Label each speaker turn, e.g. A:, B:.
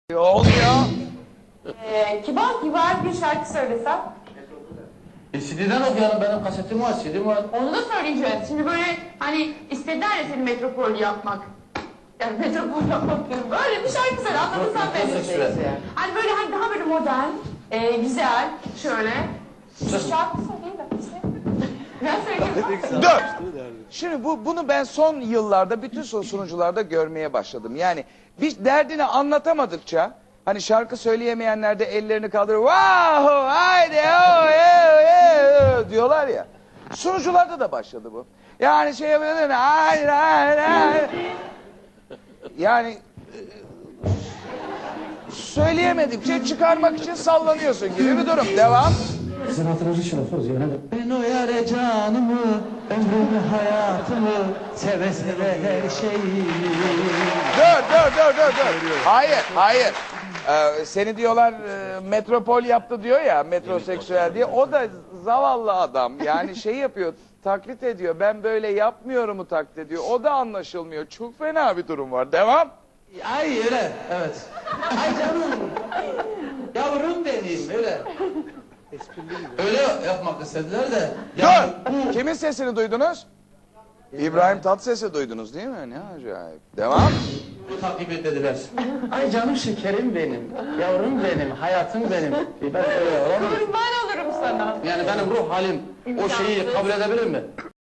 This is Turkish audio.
A: Olmuyor.
B: Kibar kibar bir şarkı söylesem.
C: CD'den okuyalım, benim kasetim var, CD'm var.
B: Onu da söyleyeceğiz. Şimdi böyle hani istediler ya seni metropol yapmak. Yani metropol yapmak diyorum. Böyle bir şarkı söyle anladın sen beni. Hani böyle hani daha böyle modern, güzel, şöyle. Şarkı söyleyeyim de. Ben söyleyeyim.
A: Dur. Şimdi bunu ben son yıllarda bütün sunucularda görmeye başladım. Yani bir derdini anlatamadıkça hani şarkı söyleyemeyenler de ellerini kaldırır. Wow, haydi oh, diyorlar ya. Sunucularda da başladı bu. Yani şey yapıyorlar. Haydi haydi. Yani söyleyemedikçe çıkarmak için sallanıyorsun gibi bir durum. Devam.
C: Sizin hatırınızı için olsunuz ya. Ben o yare canımı, ömrümü, hayatımı, seve seve her şeyi.
A: Dur. Hayır. Seni diyorlar metropol yaptı diyor ya, metroseksüel diye. O da zavallı adam. Yani şey yapıyor, taklit ediyor. Ben böyle yapmıyorumu taklit ediyor. O da anlaşılmıyor. Çok fena bir durum var. Devam.
C: Ay öyle, evet. Ay canım, yavrum benim, öyle. Öyle yapmak istediler de. Yani
A: Dur. Kimin sesini duydunuz? İbrahim Tatlıses'i duydunuz değil mi? Ne acayip. Devam.
C: bu takip dediler. Ay canım şekerim benim, yavrum benim, hayatım benim. Ben öyle olamam.
B: Kurban olurum sana.
C: Yani benim ruh halim o şeyi kabul edebilir mi?